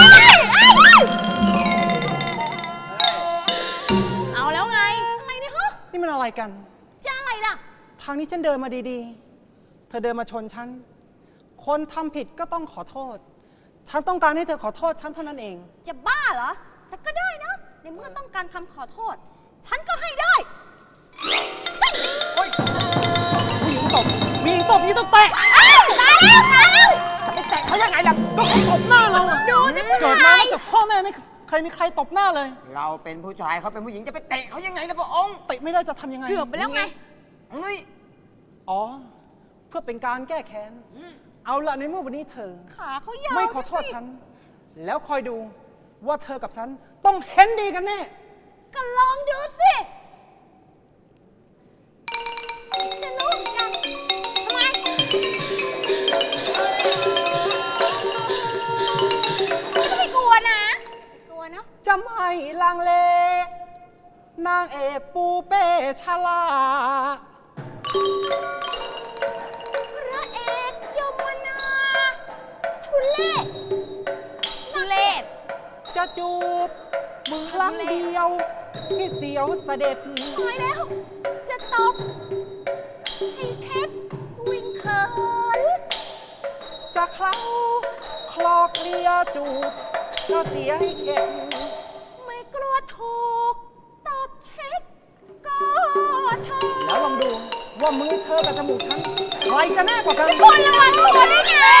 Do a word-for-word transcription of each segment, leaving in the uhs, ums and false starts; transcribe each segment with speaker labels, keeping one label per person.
Speaker 1: เอาแล้วไงอะไรเนี่ยฮะ
Speaker 2: นี่มันอะไรกัน
Speaker 1: จะอะไรล่ะ
Speaker 2: ทางนี้ฉันเดินมาดีๆเธอเดินมาชนฉันคนทำผิดก็ต้องขอโทษฉันต้องการให้เธอขอโทษฉันเท่านั้นเอง
Speaker 1: จะบ้าเหรอแต่ก็ได้นะในเมื่อต้องการคำขอโทษฉันก็ให้ได้
Speaker 2: ผู้หญิงตบผู้หญิงตบนี่ต้องเตะ
Speaker 1: ตายแล้วตายแล้ว
Speaker 2: จะไปแตะเขายังไงล่ะก็เขาตบหน้าเราอะ
Speaker 1: ดูสิผู้ชาย
Speaker 2: เกิดมาจากพ่อแม่ไม่เคยมีใครตบหน้าเลย
Speaker 3: เราเป็นผู้ชายเขาเป็นผู้หญิงจะไปเตะเขายังไงล่ะพระองค์
Speaker 2: เตะไม่ได้จะทำยังไง
Speaker 1: เกือบไปแล้วไง
Speaker 3: นี่
Speaker 2: อ๋อเพื่อเป็นการแก้แค้นเอาละในเมื่อวันนี้เธอ
Speaker 1: ขาเขายาว
Speaker 2: ไม่ขอโทษฉันแล้วคอยดูว่าเธอกับฉันต้องเห็นดีกันแน่
Speaker 1: ก็ลองดูสิจะรู้กันทำไมก็ไม่กลัวนะไม่กลัวเนาะ
Speaker 2: จะไม่ลังเลนางเอกปูเป้ชลา
Speaker 1: พระเอกยมนาทุเลศทุเลศ
Speaker 2: จะจูบมือครั้งเดียวให้เสียวเสด็จ
Speaker 1: ตายแล้วจะตบให้เพชรวิ่งเขิน
Speaker 2: จะเคล้าคลอกเลียจูบก็เสียให้เข็ด
Speaker 1: ไม่กลัวถูกตบเช็ดก็เชิญ
Speaker 2: แล้วลองดูว่ามือเธอกับจมูกฉันใครจะแน่กว่ากัน
Speaker 1: คนระวังตัวด้วยนะ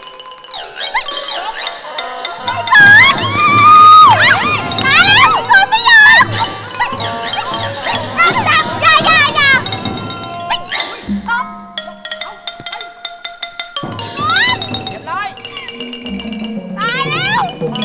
Speaker 1: ไม่ก่อนตายแล้วไม่ก่อนไม่ยอมจับจับอย่าอย่าอย่าตบ
Speaker 3: เรียบร้อย
Speaker 1: ตายแล้ว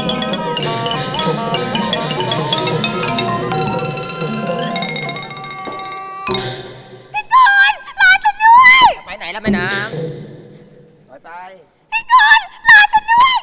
Speaker 1: พี่กรณ์รอฉันด้วย
Speaker 3: ไปไหนล่ะแม่นางถอยไป
Speaker 1: พี่กรณ์รอฉันด้วย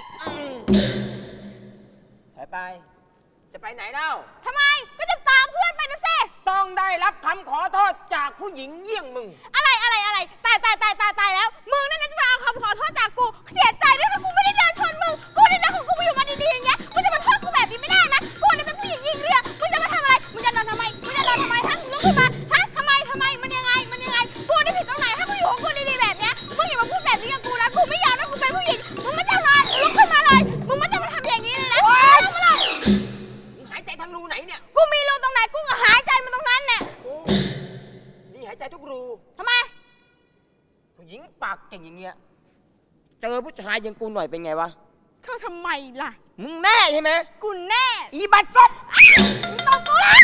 Speaker 3: ถอยไปจะไปไหนเล่า
Speaker 1: ทำไมก็จะตามเพื่อนไปนะสิ
Speaker 3: ต้องได้รับคำขอโทษจากผู้หญิงเยี่ยงมึง
Speaker 1: อะไรอะไรอะไรตายตายตายตายตายแล้วมึงนั่นนะจะมาเอาคำขอโทษจากกูเสียใจด้วยถ้ากูไม่ได้เดินชนมึงกูนี่นะของกูไปอยู่มาดีๆอย่างเงี้ยมึงจะมาโทษกูแบบนี้ไม่ได้นะกูนี่เป็นผู้หญิงยิงเรือมึงจะมาทำอะไรมึงจะนอนทำไมมึงจะนอนทำไมฮะลุกขึ้นมาฮะทำไมทำไมมันยังไงมันยังไงกูนี่ผิดตรงไหนถ้ากูอยู่ของกูดีๆแบบเนี้ยมึงอย่ามาพูดแบบนี้กับกูนะกูไม่ยอมนะกูเป็นผู้หญิงมึงไม่จะนอนลุกขึ้นมาเลยมึงไม่จะมาทำอย่างนี้เลยนะลุกขึ้นมาเลย
Speaker 3: มึงหายใจทางรูไหนเนี่ย
Speaker 1: กูมีรูตรงไหนกูก็หายใจมันตรงนั้นเนี่ย
Speaker 3: นี่หายใจทุกรู
Speaker 1: ทำไม
Speaker 3: ผู้หญิงปากเก่งอย่างเงี้ยเจอผู้ชายอย่างกูหน่อยเป็นไงวะ
Speaker 1: เขาทำไมล่ะ
Speaker 3: มึงแน่ใช่ไหม
Speaker 1: กูแน่
Speaker 3: อีบัตรซบ
Speaker 1: มึงตบกูละ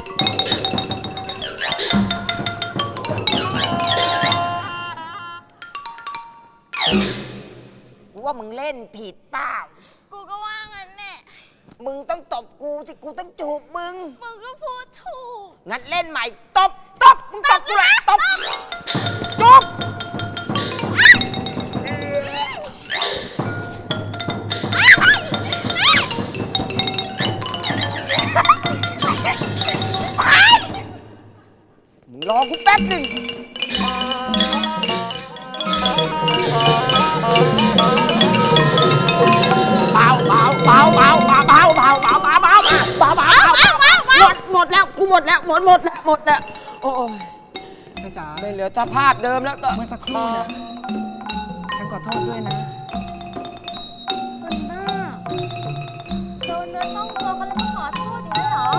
Speaker 3: กูว่ามึงเล่นผิดเปล่า
Speaker 1: กูก็ว่างั้นแน่
Speaker 3: มึงต้องตบกูสิกูต้องจูบมึง
Speaker 1: มึงก็พูดถูก
Speaker 3: งั้นเล่นใหม่ตบตบมึงตบกูเลยตบจูบมึงรอกูแป๊บหนึ่งเบาเบาเบาเบาเบาเบาเบาเบาเบาเบาเบาเบาหมดหมดแล้วกูหมดแล้วหมดหมดแล้วหมดแล้วโอ้ย
Speaker 2: เธอจ๋า
Speaker 3: ไม่เหลือสภาพเดิมแล้วก็
Speaker 2: เมื่อสักครู่นะฉันขอโทษด้วยนะ
Speaker 1: คนบ้าโดนเนื้อต้องตัวกันแล้วก็ขอโทษอย่างนี้เหรอ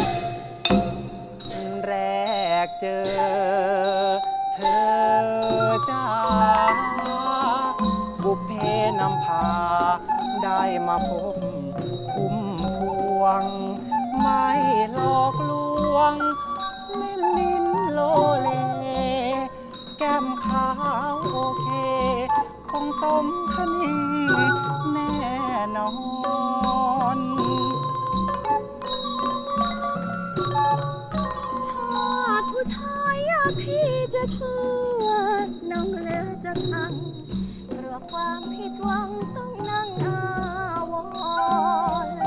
Speaker 2: แรกเจอเธอจ้าบุพเพนำพาได้มาพบคุ้มพวงไม่หลอกลวงเล่นลิ้นโลเลแก้มขาวโอเคคงสมคณีแน่นอน
Speaker 1: ชาติผู้ชายอยากที่จะเชื่อน้องเลือจะชังกลัวความผิดหวังต้องนั่งอาวรณ์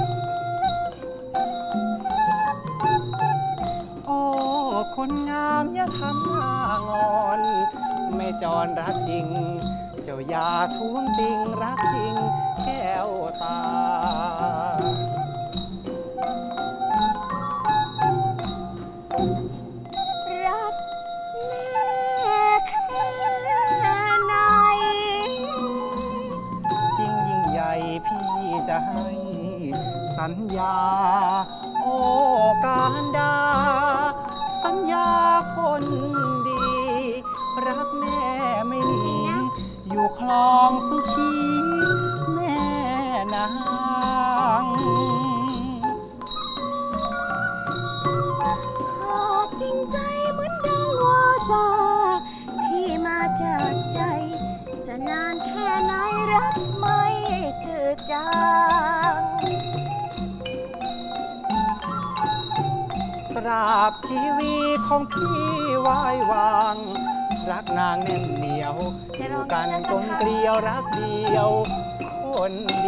Speaker 2: โอ้คนงามอย่าทำหน้างอนไม่จรรักจริงเจ้าอย่าท้วงติงรักจริงแก้วตา
Speaker 1: รักแม่แค่ไหน
Speaker 2: จริงยิ่งใหญ่พี่จะให้สัญญา โอ้การดา สัญญาคนดี รักแม่ไม่หนีอยู่คลองสุขีแม่นาง
Speaker 1: หากจริงใจเหมือนดังวาจาที่มาจากใจ จะนานแค่ไหนรักไม่จืดจาง
Speaker 2: ตราบชีวีของพี่ไว้วาง รักนางแน่นเหนียวอยู่กันกลมเกลียวรักเดียวคนดี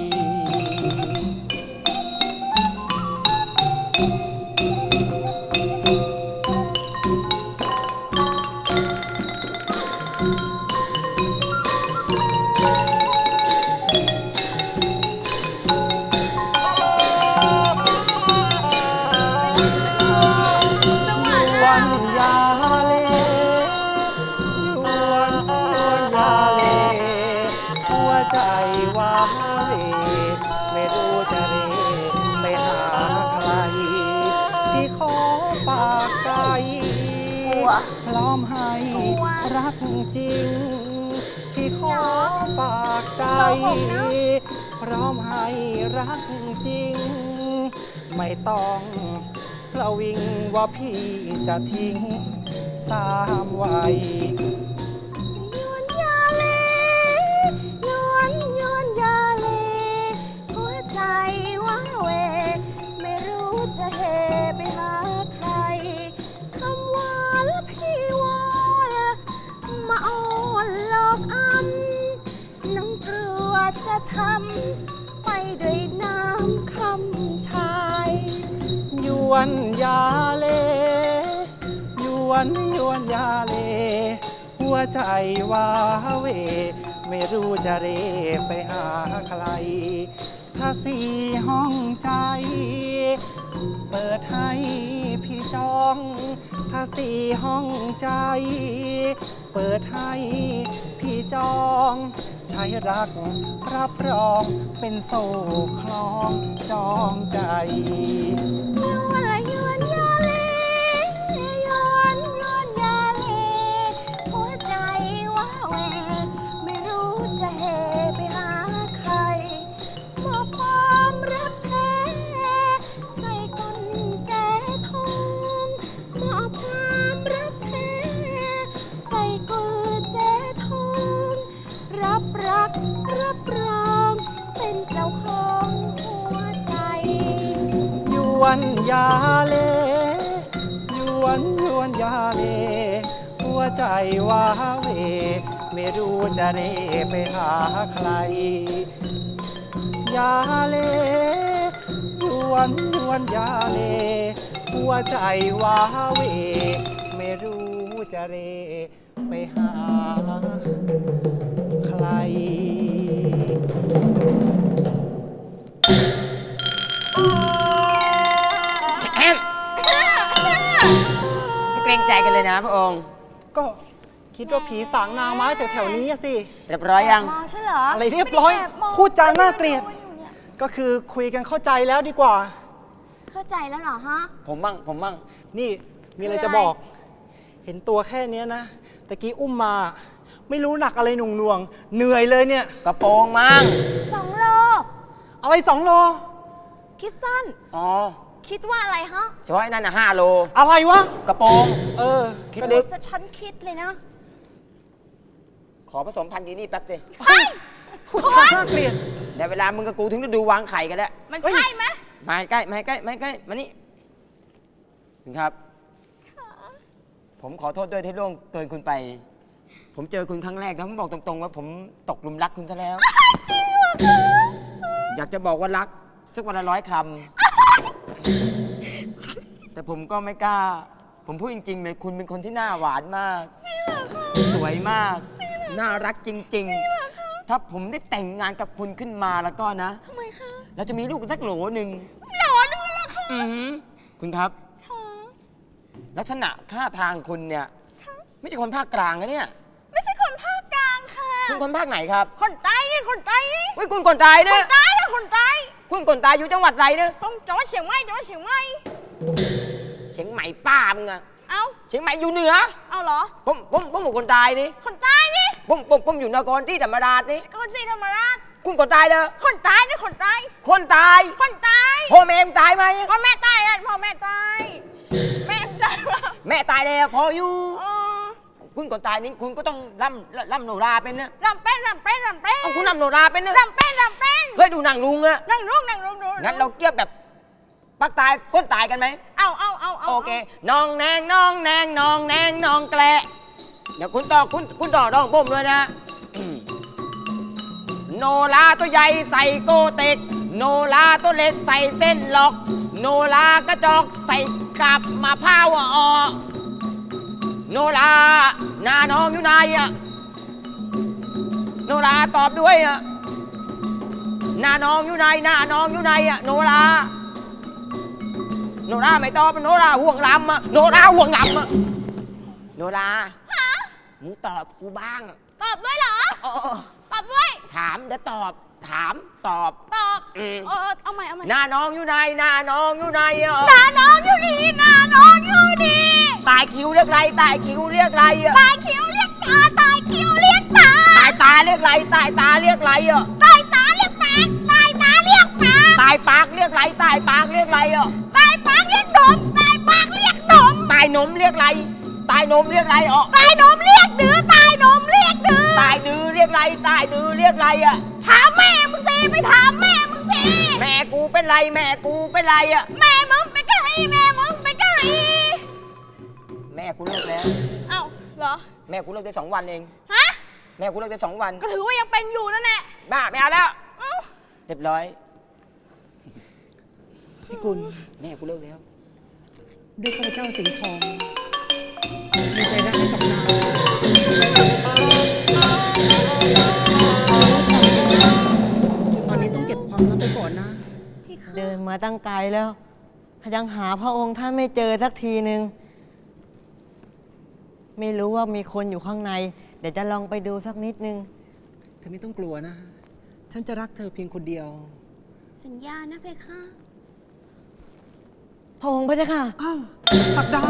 Speaker 1: จังหวะ
Speaker 2: วั
Speaker 1: นั้น
Speaker 2: นยาเลยวนยวนยาเลหัวใจว้าเหวไม่รู้จะเรไปหาใคร พี่ขอฝากใจพร้อมให้รักจริง พี่ขอฝากใจ พร้อมให้รักจริง ไม่ต้องประวิงว่าพี่จะทิ้งสามวัย
Speaker 1: ยวนยาเลยวนยวนยาเลหัวใจว้าเหวไม่รู้จะเหไปหาใคร คำว่าละพี่วอนมาอ้อนหลอกอำน้องกลัวจะช้ำไปด้วยน้ำคำชาย
Speaker 2: ยวนยาเลยวนยวนยาเล หัวใจว้าเหวไม่รู้จะเรไปหาใคร ถ้าสี่ห้องใจ เปิดให้พี่จอง ถ้าสี่ห้องใจ เปิดให้พี่จอง ใช้รักรับรองเป็นโซ่คล้องจองใจ
Speaker 1: ยวนละยวนยาเลยวนยวนยาเลหัวใจว้าเหวไม่รู้จะเหไปหาใครมอบความรักแท้ใส่กุญแจทองมอบความรักแท้ใส่กุญแจทองรับรักรับรองเป็นเจ้าของหัวใจ
Speaker 2: ยวนยาเลยวนยวนยาเล หัวใจว้าเหวไม่รู้จะเรไปหาใคร ยาเลยวนยวนยาเล หัวใจว้าเหวไม่รู้จะเรไปหาใคร
Speaker 3: แอมเกรงใจกันเลยนะพระองค์
Speaker 2: ก็คิดว่าผีสางนางไม้แถวๆนี้อะสิ
Speaker 3: เรียบร้อยยัง
Speaker 1: มองใช่เหรอ
Speaker 2: อะไรเรียบร้อย
Speaker 1: ไม่ได้แบมง
Speaker 2: พูดจาน่าเกลียด
Speaker 1: ไม่ไอยู่เนี่ย
Speaker 2: ก็คือคุยกันเข้าใจแล้วดีกว่า
Speaker 1: เข้าใจแล้วเหรอฮะ
Speaker 3: ผมมั่งผมมั่ง
Speaker 2: นี่มีอะไร
Speaker 1: คืออะไร
Speaker 2: จะบอก เห็นตัวแค่เนี้ยนะตะกี้อุ้มมา ไม่รู้หนักอะไรหน่วงหน่วงๆเหนื่อยเลยเนี่ย
Speaker 3: กระโปรงมั่ง
Speaker 1: สองโล
Speaker 2: อะไรสองโล
Speaker 1: คิดสั้น
Speaker 3: อ๋อ
Speaker 1: คิดว่าอะไรฮะ
Speaker 3: เฉพาะไอ้นั่นนะห้าโล
Speaker 2: อะไรวะ
Speaker 3: กระโปรง
Speaker 2: เออ
Speaker 3: คิด
Speaker 2: ก็
Speaker 1: ดู
Speaker 2: เด็ก
Speaker 1: ซะฉันคิดเลยนะ
Speaker 3: ขอผสมพันธุ์ยีนี่แป๊บสิ
Speaker 1: เฮ้ย
Speaker 2: พูดจาน่าเกลียด
Speaker 3: เดี๋ยวเวลามึงกับกูถึงฤดูวางไข่กันแล้ว
Speaker 1: มัน
Speaker 2: เฮ้ย
Speaker 1: ใช่ไหม
Speaker 3: มาใกล้มาใกล้มาใกล้มานี่คุณครับ ผมขอโทษด้วยที่ล่วงเกินคุณไป ผมเจอคุณครั้งแรกนะผมบอกตรงๆว่าผมตกหลุมรักคุณซะแล้ว
Speaker 1: จริงเหรอคะ
Speaker 3: อยากจะบอกว่ารักสักวันละร้อยคำ แต่ผมก็ไม่กล้า ผมพูดจริงๆเลยคุณเป็นคนที่หน้าหวานมาก สวยมากน่ารักจริงๆ ถ้าผมได้แต่งงานกับคุณขึ้นมาแล้วก็นะ
Speaker 1: ทำไมคะ
Speaker 3: เราจะมีลูกกันสักโหลหนึ่ง
Speaker 1: หลอนึงเลยเหรอคะ
Speaker 3: อือหือคุณครับ
Speaker 1: ค่ะ
Speaker 3: ลักษณะท่าทางคุณเนี่ย ไม่ใช่คนภาคกลางนะเนี่ย
Speaker 1: ไม่ใช่คนภาคกลางค่ะ
Speaker 3: คุณคนภาคไหนครับ
Speaker 1: คนใต้นี่คนใต้นี่
Speaker 3: เฮ้ยคุณคนตาย
Speaker 1: ค
Speaker 3: เนี่ย
Speaker 1: นใต้ค่ะคนใต้
Speaker 3: คุณคนตายอยู่จังหวัดไหนเนี่ย
Speaker 1: ต้องจังหวัดเชียงใหม่จังหวัดเชียงใหม่
Speaker 3: เชียงใหม่ป้ามึงอะ
Speaker 1: เอ้า
Speaker 3: เชียงใหม่อยู่เหนือ
Speaker 1: เอาเหรอ
Speaker 3: ผมผมผมเป็นคนตายนี่
Speaker 1: คนใต้นี่
Speaker 3: ผมผมผมอยู่นครที่ธรรมราชนี่
Speaker 1: คนศรีธรรมราช
Speaker 3: คุณคนตายเด้อ
Speaker 1: คนใต้นี่คนใต้
Speaker 3: คนตาย
Speaker 1: คนใต้
Speaker 3: พ่อแม่มึงตายไหม
Speaker 1: พ่อแม่ตายอ่ะพ่อแม่ตายแม่ตายว่ะ
Speaker 3: แม่ตายแล้วพออยู่
Speaker 1: เออ
Speaker 3: คุณคนตายนี่คุณก็ต้องร่ำร่ำโนราเป็นนะ
Speaker 1: รำเป็นรำเป็นรำเป็น
Speaker 3: เอาคุณร่ำโนราเป็นนะ
Speaker 1: รำเป็นรำเป็น
Speaker 3: เคยดูหนังลุงอะ
Speaker 1: นั่งลุกนั่งลุกดู
Speaker 3: งั้นเราเกียบแบบปักตายก้นตายกันไหม
Speaker 1: เอาเอาเอาเอา
Speaker 3: โอเคน้องแนงน้องแนงน้องแนงน้องแกละเดี๋ยวคุณต่อคุณคุณต่อดองบ่มด้วยนะ โนราตัวใหญ่ใส่โกเต็ก โนราตัวเล็กใส่เส้นหลอก โนรากระจอกใส่กับมะพร้าวอ่อนโนราหน้าน้องอยู่ไหนอะโนราตอบด้วยอะหน้าน้องอยู่ไหนหน้าน้องอยู่ไหนอะโนราโนราไม่ตอบโนราห่วงลำอะโนราห่วงลำอะโนรามึงตอบกูบ้าง
Speaker 1: ตอบด้วยเหรอ
Speaker 3: เออ
Speaker 1: ตอบด้วย
Speaker 3: ถามเดี๋ยวตอบ ถามตอบ
Speaker 1: ตอบ
Speaker 3: อืม
Speaker 1: เออเอาใหม่เอาใหม่
Speaker 3: หน้าน้องอยู่ไหนหน้าน้องอยู่ไหนอะ
Speaker 1: หน้าน้องอยู่นี่หน้าน้องอยู่นี่
Speaker 3: ตายคิ้วเรียกไรตายคิ้วเรียกไรอะ
Speaker 1: ตายคิ้วเรียกตาตายคิ้วเรียกตา
Speaker 3: ตายตาเรียกไรตายตาเรียกไรอะ
Speaker 1: ตายตาเรียกปากตายตาเรียกปาก
Speaker 3: ตายปากเรียกไรตายปากเรียกไรอะ
Speaker 1: ตายปากเรียกนมตายปากเรียกนม
Speaker 3: ตายนมเรียกไรตายนมเรียกไรอ่ะ
Speaker 1: ตายนมเรียกดื้อตายนมเรียกดื้อ
Speaker 3: ตายดื้อเรียกไรตายดื้อเรียกไรอะ
Speaker 1: ถามแม่มึงสิไม่ถามแม่มึงสิ
Speaker 3: แม่กูเป็นไรแม่กูเป็นไรอะ
Speaker 1: แม่มึงเป็นกะหรี่แม่มึงเป็นกะหรี่
Speaker 3: แม่กูเลิกแล้ว
Speaker 1: เอ้าเหรอ
Speaker 3: แม่กูเลิกได้สองวันเอง
Speaker 1: ฮะ
Speaker 3: แม่กูเลิกได้สองวัน
Speaker 1: ก็ถือว่ายังเป็นอยู่นั่นแหละ
Speaker 3: บ้าไม่เอาแล้ว
Speaker 1: เอ้า
Speaker 3: เรียบร้อย
Speaker 2: พี่กุล
Speaker 3: แม่กูเลิกแล้ว
Speaker 2: ด้วยข้าพเจ้าสิงห์ทองมีใจรักให้กับนางตอนนี้ต้องเก็บความลับไปก่อนนะ
Speaker 4: เดินมาตั้งไกลแล้วยังหาพระองค์ท่านไม่เจอสักทีหนึ่งไม่รู้ว่ามีคนอยู่ข้างใน เดี๋ยวจะลองไปดูสักนิดนึง
Speaker 2: เธอไม่ต้องกลัวนะ ฉันจะรักเธอเพียงคนเดียว
Speaker 1: สัญญานะเพคะ
Speaker 4: พระองค์พระเจ้าค่ะ
Speaker 2: อ้าวสักดา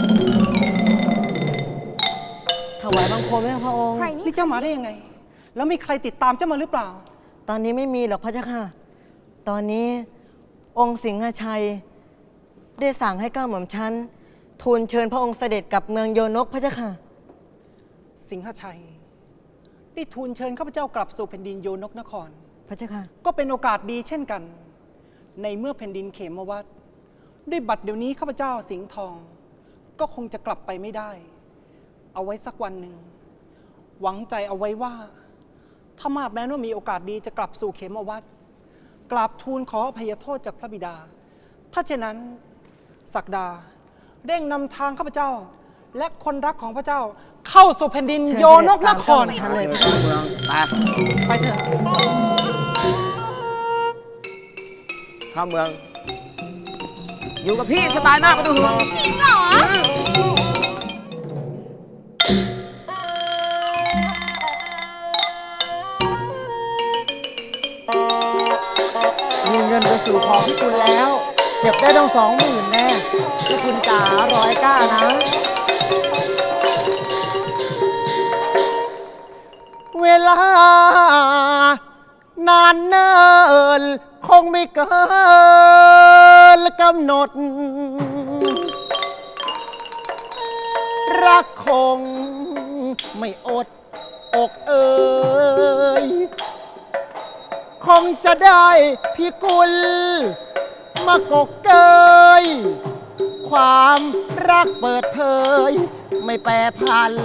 Speaker 4: ถวายบังคมให้พระองค์
Speaker 1: ใครนี่
Speaker 2: นี่เจ้ามาได้ยังไง แล้วมีใครติดตามเจ้ามาหรือเปล่า
Speaker 4: ตอนนี้ไม่มีหรอกพระเจ้าค่ะ ตอนนี้องค์สิงหชัย ได้สั่งให้ก้าวหม่อมชั้นทูลเชิญพระองค์เสด็จกลับเมืองโยนกพระเจ้าค่ะ
Speaker 2: สิงหชัยได้ทูลเชิญข้าพเจ้ากลับสู่แผ่นดินโยนกนคร
Speaker 4: พระเจ้าค่ะ
Speaker 2: ก็เป็นโอกาสดีเช่นกัน ในเมื่อแผ่นดินเขมวัดด้วยบัดเดี๋ยวนี้ข้าพเจ้าสิงห์ทอง ก็คงจะกลับไปไม่ได้ เอาไว้สักวันหนึ่ง หวังใจเอาไว้ว่า ถ้ามาแม้ว่ามีโอกาสดีจะกลับสู่เขมวัดกราบทูลขออภัยโทษจากพระบิดา ถ้าเช่นนั้นศักดาเร่งนำทางข้าพเจ้า และคนรักของพระเจ้าเข้าสู่แผ่นดิน
Speaker 4: เชิญ
Speaker 2: โยนกนคร
Speaker 4: เสด็จตามเจ้าหม่อมชั้นเลย
Speaker 3: ไป
Speaker 2: ไปเถอะ
Speaker 3: เข้าเมือง อยู่กับพี่สบายมากไม่ต้องห่วง
Speaker 1: จริงเหรอ
Speaker 5: มีเงินไปสู่ของพี่คุณแล้ว เก็บได้ต้องสองหมื่นแน่พี่คุณจ๋าร้อยก้านะ เวลานานเนินคงไม่เกินกำหนด รักคงไม่อดอกเอ่ยคงจะได้พี่กุลมากกเกย ความรักเปิดเผย ไม่แปรพัน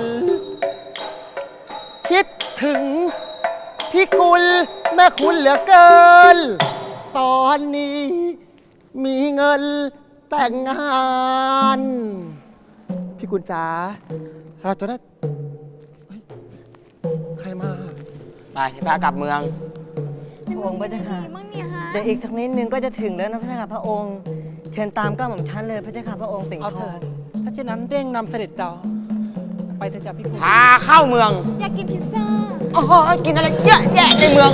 Speaker 5: คิดถึงพี่กุลแม่คุณเหลือเกิน ตอนนี้มีเงินแต่งงาน พี่กุลจ๋าเราจะได้เฮ้ย
Speaker 3: ไปพากลับเมือง
Speaker 4: พระองค์พระเจ้าค่ะ
Speaker 1: มั่งเนี่ยฮะ
Speaker 4: เดี๋ยวอีกสักนิดนึงก็จะถึงแล้วนะพระเจ้าค่ะพระองค์ เชิญตามก้าวหม่อมชั้นเลยพระเจ้าค่ะพระองค์สิงห์
Speaker 2: เอา
Speaker 4: ท
Speaker 2: เถิ
Speaker 4: อง
Speaker 2: ดถ้าเช่นนั้นเร่งนำเสด็จเราไปเถอะจ้ะพี่กุล
Speaker 3: พาเข้าเมือง
Speaker 1: อยากกินพิซซ่า
Speaker 3: โอ้โหกินอะไรเยอะแยะในเมือง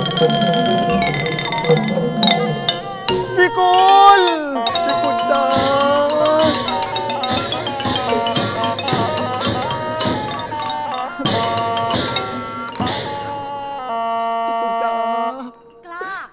Speaker 5: พี่กุลพี่กุลจ้าพี่กุลจ้าก
Speaker 1: ล้า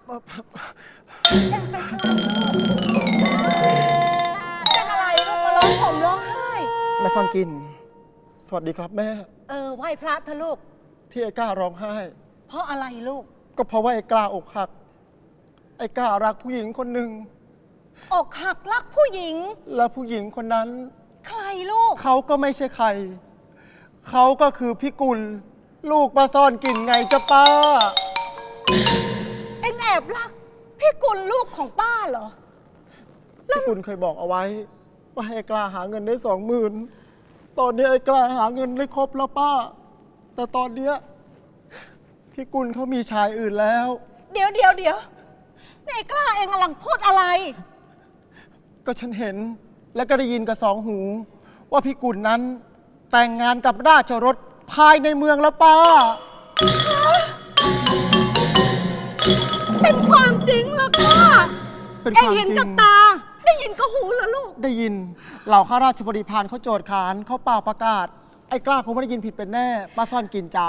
Speaker 1: เป็นอะไรลูกมาร้องผมร้องไห้
Speaker 5: แม่ซ่อนกิน สวัสดีครับแม่
Speaker 6: เออไหว้พระเถอะลูก
Speaker 5: ที่ไอ้กล้าร้องไห้
Speaker 6: เพราะอะไรลูก
Speaker 5: ก็เพราะว่าไอ้กล้าอกหัก ไอ้กล้ารักผู้หญิงคนหนึ่ง
Speaker 6: อกหักรักผู้หญิง
Speaker 5: และผู้หญิงคนนั้น
Speaker 6: ใครลูก
Speaker 5: เขาก็ไม่ใช่ใคร เขาก็คือพี่กุล ลูกป้าซ่อนกลิ่นไงจ้ะป้า
Speaker 6: เอ็งแอบรัก พี่กุลลูกของป้าเหรอ
Speaker 5: พี่กุลเคยบอกเอาไว้ ว่าให้ไอ้กล้าหาเงินได้สองหมื่นตอนนี้ไอ้กล้าหาเงินได้ครบแล้วป้า แต่ตอนเนี้ยพี่กุลเขามีชายอื่นแล้ว
Speaker 6: เดี๋ยวเดี๋ยวเดี๋ยวนี่ไอ้กล้าเองกำลังพูดอะไร
Speaker 5: ก็ฉันเห็นและก็ได้ยินกับสองหู ว่าพี่กุลนั้น แต่งงานกับราชรถภายในเมืองแล้วป้า
Speaker 6: เป็นความจริงเหรอกล้า
Speaker 5: เป็น
Speaker 6: เอ็
Speaker 5: ค
Speaker 6: ง
Speaker 5: วาม
Speaker 6: เห็น
Speaker 5: จริ
Speaker 6: กับ
Speaker 5: ง
Speaker 6: ตา ได้ยินกับหูเหรอลูก
Speaker 5: ได้ยินเหล่าข้าราชบริพารเขาโจทย์ขานเขาเป่าประกาศ ไอ้กล้าคงไม่ได้ยินผิดเป็นแน่ป้าซ่อนกินจ๋า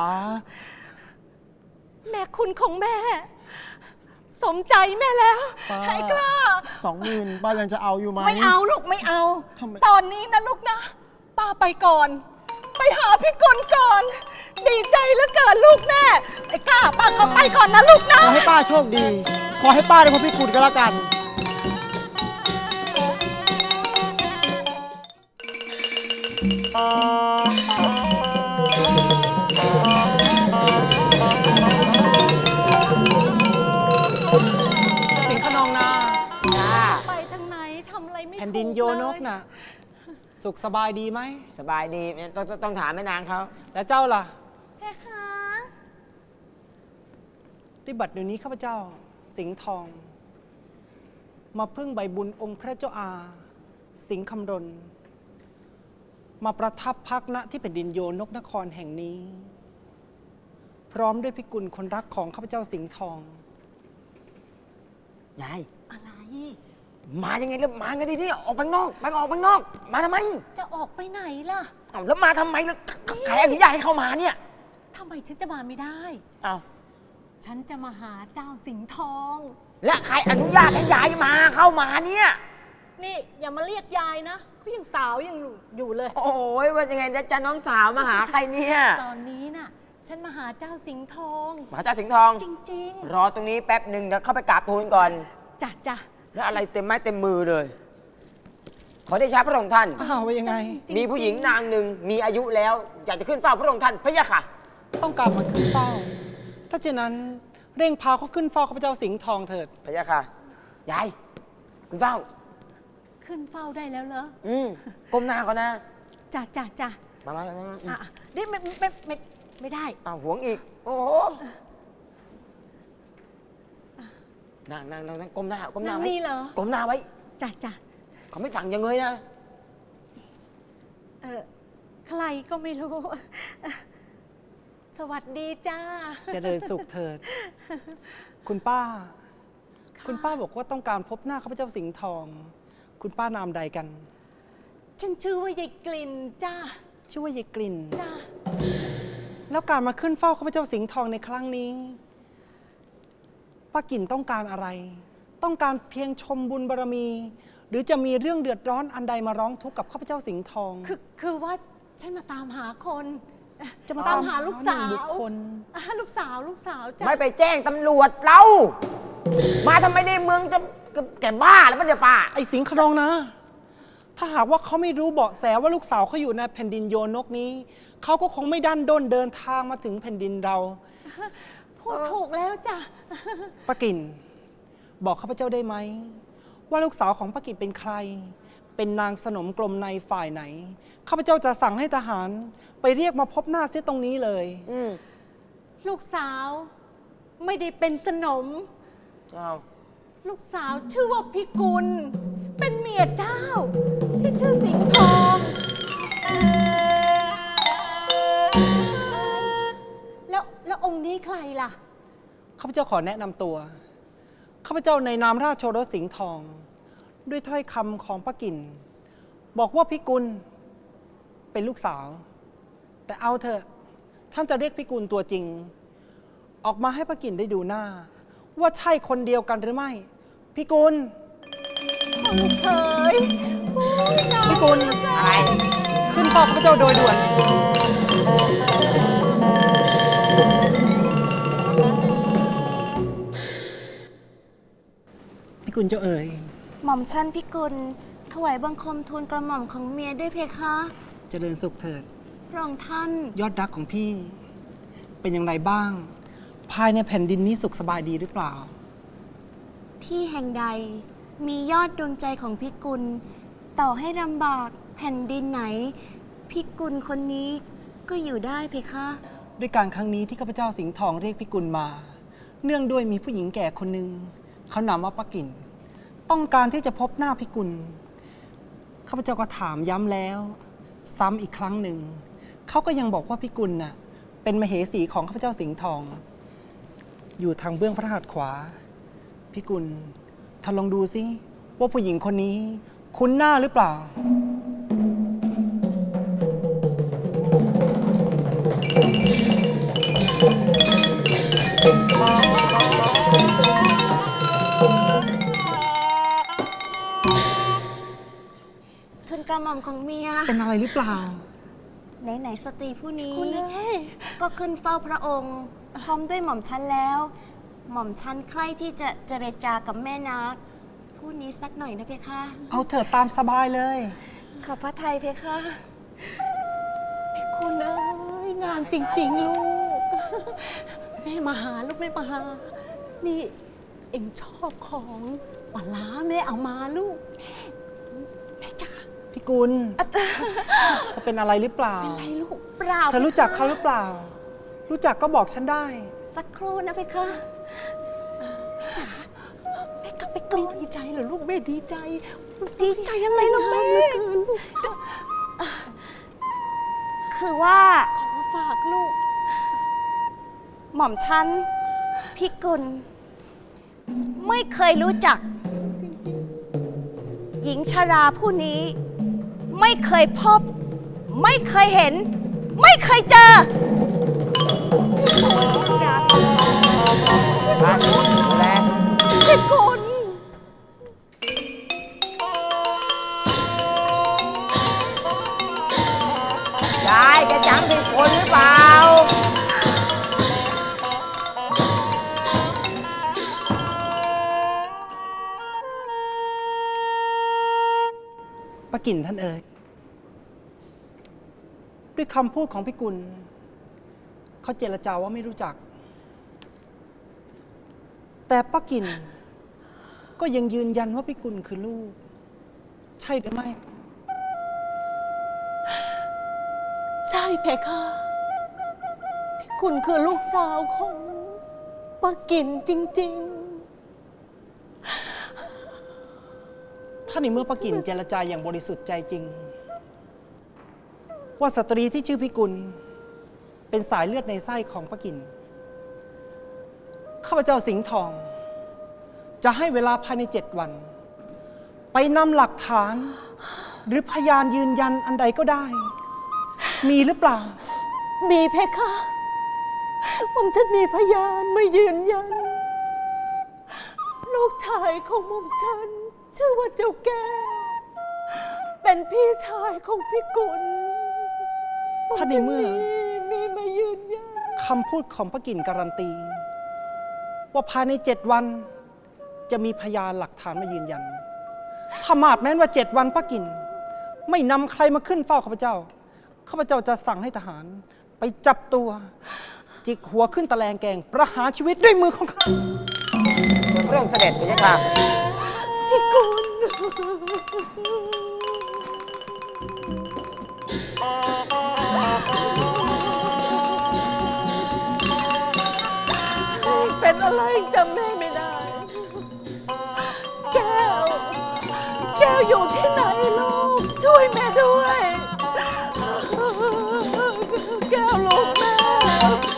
Speaker 6: แม่คุณของแม่ สมใจแม่แล้ว
Speaker 5: ป้า
Speaker 6: ไอ้กล้า
Speaker 5: สองหมื่นป้ายังจะเอาอยู่ไหม
Speaker 6: ไม่เอาลูกไม่เอา
Speaker 5: ทำไม
Speaker 6: ตอนนี้นะลูกนะ ป้าไปก่อน ไปหาพี่กุลก่อน ดีใจเหลือเกินลูกแม่ ไอ้กล้าป้าก็ไปก่อนนะลูกนะ
Speaker 5: ขอให้ป้าโชคดี ขอให้ป้าได้พบพี่กุลก็แล้วกัน
Speaker 2: สิงห์ขนองนา
Speaker 6: ไปทางไหนทำอะไรไม่ถูก
Speaker 2: แผ่นดินโยนก
Speaker 6: เลย
Speaker 2: น่ะ สุขสบายดีไหม
Speaker 3: สบายดีต้องต้องต้องถามแม่นางเขา
Speaker 2: แล้วเจ้าล่ะ
Speaker 1: เพคะ
Speaker 2: ด้วยบัดเดี๋ยวนี้ข้าพเจ้า สิงห์ทอง มาพึ่งใบบุญองค์พระเจ้าอา สิงห์คำรณ มาประทับพักณที่แผ่นดินโยนกนครแห่งนี้ พร้อมด้วยพิกุลคนรักของข้าพเจ้าสิงห์ทอง
Speaker 3: ยาย
Speaker 6: อะไร
Speaker 3: มายังไงแล้วมาไงดีที่ออกไปข้างนอกไปออกไปข้างนอก มาทำไม
Speaker 6: จะออกไปไหนล่ะ
Speaker 3: เอาแล้วมาทำไมแล้วใครอนุญาตให้เข้ามาเนี่ย
Speaker 6: ทำไมฉันจะมาไม่ได้
Speaker 3: เอา
Speaker 6: ฉันจะมาหาเจ้าสิงห์ทอง
Speaker 3: และใครอนุญาตให้ยายมาเข้ามาเนี่ย
Speaker 6: นี่อย่ามาเรียกยายนะเขายังสาวยังอยู่เลย
Speaker 3: โอ้ยว่ายังไงจะจะน้องสาวมาหาใครเนี่ย
Speaker 6: ตอนนี้น่ะ ฉันมาหาเจ้าสิงห์ทอง
Speaker 3: มาจ้าสิงห์ทอง
Speaker 6: จริง
Speaker 3: รอตรงนี้แป๊บหนึ่งเดี๋ยวเข้าไปกราบทูลก่อน
Speaker 6: ๆจ้ะจ้ะ
Speaker 3: แล้วอะไรเต็มไม้เต็มมือเลย ขอได้ช้าพระองค์ท่าน
Speaker 2: อ้าวว่ายังไง
Speaker 3: มีผู้หญิงนางหนึ่งมีอายุแล้ว อยากจะขึ้นเฝ้าพระองค์ท่านพระยะค่ะ
Speaker 2: ต้องการมาขึ้นเฝ้า ถ้าเช่นนั้นเร่งพาเขาขึ้นเฝ้าข้าพเจ้าสิงห์ทองเถิด
Speaker 3: พระยะค่ะ ยายขึ้นเฝ้า
Speaker 6: ขึ้นเฝ้าได้แล้วเหรอ
Speaker 3: อืมก้มหน้าก่อนนะ
Speaker 6: จ้ะจ้ะจ้ะ
Speaker 3: มามามามา
Speaker 6: อ่ะนี่ไม่ไม่ไม่ไม่ได้
Speaker 3: อ้าวหวงอีก โอ้โหนั่งนั่งนั่งนั่งก้มหน้าก้มหน้า
Speaker 6: นั่ง
Speaker 3: ไว้
Speaker 6: นี่เหรอ
Speaker 3: ก้มหน้าไว้
Speaker 6: จ้ะจ้ะ
Speaker 3: เขาไม่สั่งอยังเลยนะ
Speaker 6: เออใครก็ไม่รู้ สวัสดีจ้า
Speaker 2: เจริญสุขเถิด คุณป้า คุณป้าบอกว่าต้องการพบหน้าข้าพเจ้าสิงห์ทอง คุณป้านามใดกัน
Speaker 6: ฉันชื่อว่ายายกลิ่นจ้า
Speaker 2: ชื่อว่ายายกลิ่น
Speaker 6: จ้า
Speaker 2: แล้วการมาขึ้นเฝ้าข้าพเจ้าสิงห์ทองในครั้งนี้ ป้ากิ่นต้องการอะไร ต้องการเพียงชมบุญบารมี หรือจะมีเรื่องเดือดร้อนอันใดมาร้องทุกข์กับข้าพเจ้าสิงห์ทอง
Speaker 6: คือคือว่าฉันมาตามหาคน
Speaker 2: จะมา
Speaker 6: ตามหาลูกสา
Speaker 2: หนึ่ง
Speaker 6: ว
Speaker 2: บุคคล
Speaker 6: อ่ะลูกสาวลูกสาวจ้า
Speaker 3: ไม่ไปแจ้งตำรวจเรา มาทำไมในเมืองจะแกบ้าแล้วมันเดี๋ยวป้า
Speaker 2: ไอ้สิงห์ขนองนะ ถ้าหากว่าเขาไม่รู้เบาะแสว่าลูกสาวเขาอยู่ในแผ่นดินโยนกนี้ เขาก็คงไม่ดันด้นเดินทางมาถึงแผ่นดินเรา
Speaker 6: พูดถูกแล้วจ้ะ
Speaker 2: ป้ากิ่นบอกข้าพเจ้าได้ไหม ว่าลูกสาวของป้ากิ่นเป็นใคร เป็นนางสนมกลมในฝ่ายไหน ข้าพเจ้าจะสั่งให้ทหาร ไปเรียกมาพบหน้าเสียตรงนี้เลย
Speaker 3: อืม
Speaker 6: ลูกสาวไม่ได้เป็นสนม
Speaker 3: เจ้า
Speaker 6: ลูกสาวชื่อว่าพิกุล เป็นเมียเจ้า ที่ชื่อสิงห์ทอง แล้วแล้วองค์นี้ใครล่ะ
Speaker 2: ข้าพเจ้าขอแนะนำตัว ข้าพเจ้าในนามราชโอรสสิงห์ทอง ด้วยถ้อยคำของป้ากิ่น บอกว่าพิกุลเป็นลูกสาว แต่เอาเถอะฉันจะเรียกพิกุลตัวจริง ออกมาให้ป้ากิ่นได้ดูหน้า ว่าใช่คนเดียวกันหรือไม่พิกุล
Speaker 6: พ่อลูกเขยโอ้ยน้อง
Speaker 2: พิกุล
Speaker 3: อะไร
Speaker 2: ขึ้นเฝ้าข้าพเจ้าโดยด่วน พิกุลเจ้าเอ๋ย
Speaker 1: หม่อมชันพิกุลถวายบังคมทูลกระหม่อมของเมียด้วยเพคะ
Speaker 2: เจริญสุขเถิด
Speaker 1: พระองค์ท่าน
Speaker 2: ยอดรักของพี่ เป็นอย่างไรบ้าง ภายในแผ่นดินนี้สุขสบายดีหรือเปล่า
Speaker 1: ที่แห่งใดมียอดดวงใจของพิกุล ต่อให้ลำบากแผ่นดินไหน พิกุลคนนี้ก็อยู่ได้เพคะ
Speaker 2: ด้วยการครั้งนี้ที่ข้าพเจ้าสิงห์ทองเรียกพิกุลมา เนื่องด้วยมีผู้หญิงแก่คนหนึ่งเขานามว่าป้ากิ่น ต้องการที่จะพบหน้าพิกุลข้าพเจ้าก็ถามย้ำแล้ว ซ้ำอีกครั้งหนึ่งเขาก็ยังบอกว่าพิกุลน่ะเป็นมเหสีของข้าพเจ้าสิงห์ทอง อยู่ทางเบื้องพระหัตถ์ขวาพิกุลท่านลองดูสิว่าผู้หญิงคนนี้คุ้นหน้าหรือเปล่า
Speaker 1: ทูลกระหม่อมของเมีย
Speaker 2: เป็นอะไรหรือเปล่า
Speaker 1: ไหนๆสตรีผู้นี้
Speaker 6: คุณเอ้ย
Speaker 1: ก็ขึ้นเฝ้าพระองค์ พร้อมด้วยหม่อมชันแล้ว หม่อมชันใคร่ที่จะเจรจากับแม่นักผู้นี้สักหน่อยนะเพคะ
Speaker 2: เอาเถิดตามสบายเลย
Speaker 1: ขอบพระไทยเพคะ
Speaker 6: พิกุลเอ้ยงามจริง ๆ ลูก แม่มาหาลูกแม่มาหา นี่เอ็งชอบของปลาร้าแม่เอามาลูก แม่จ๋า
Speaker 2: พิกุลเธอเป็นอะไรหรือเปล่า
Speaker 6: เป็นไรลูก
Speaker 1: เปล่า
Speaker 2: เธอรู้จักเขาหรือเปล่า รู้จักก็บอกฉันได้
Speaker 1: สักครู่นะเพคะจ๋าแม่กลับไปก่
Speaker 6: ไม่
Speaker 1: อน
Speaker 6: ดีใจเหรอลูกแม่ดีใจ
Speaker 1: ดีใจอะไรล่ะแม่
Speaker 6: เหลือเกินลูก
Speaker 1: คือว่า
Speaker 6: ขอมาฝากลูก
Speaker 1: หม่อมชันพิกุล ไม่เคยรู้จัก หญิงชราผู้นี้ ไม่เคยพบ ไม่เคยเห็น ไม่เคยเจอ
Speaker 3: มาดูแล
Speaker 6: พิกุล
Speaker 3: ยายแกจำผิดคนหรือเปล่า
Speaker 2: ป้ากิ่นท่านเอ๋ยด้วยคำพูดของพิกุลเขาเจรจาว่าไม่รู้จัก แต่ป้ากิ่นก็ยังยืนยันว่าพิกุลคือลูก ใช่หรือไม่
Speaker 6: ใช่เพคะพิกุลคือลูกสาวของป้ากินจริง
Speaker 2: ถ้าในเมื่อป้ากิ่นเจรจาอย่างบริสุทธิ์ใจจริง ว่าสตรีที่ชื่อพิกุลเป็นสายเลือดในไส้ของป้ากิ่นข้าพเจ้าสิงห์ทอง จะให้เวลาภายในเจ็ดวัน ไปนำหลักฐาน หรือพยานยืนยันอันใดก็ได้ มีหรือเปล่า
Speaker 6: ๆ มีเพคะผมฉันมีพยานมายืนยัน ลูกชายของหม่อมฉัน ชื่อว่าเจ้าแก้ว เป็นพี่ชายของพี่กุล
Speaker 2: ถ้าในเมื่อ
Speaker 6: มีมายืนยัน
Speaker 2: คำพูดของป้ากิ่นการันตี ว่าภายในเจ็ดวัน จะมีพยานหลักฐานมายืนยัน ถ้ามาดแม้นว่าเจ็ดวันป้ากิ่นไม่นำใครมาขึ้นเฝ้าข้าพเจ้า ข้าพเจ้าจะสั่งให้ทหาร ไปจับตัว จิกหัวขึ้นตะแลงแกง ประหารชีวิตด้วยมือของข้า
Speaker 3: เรื่องเสด็จไปยังค่ะ
Speaker 6: พี่กุลอะไรจำแม่ไม่ได้ แก้ว แก้วอยู่ที่ไหนลูก ช่วยแม่ด้วย แก้วลูกแม่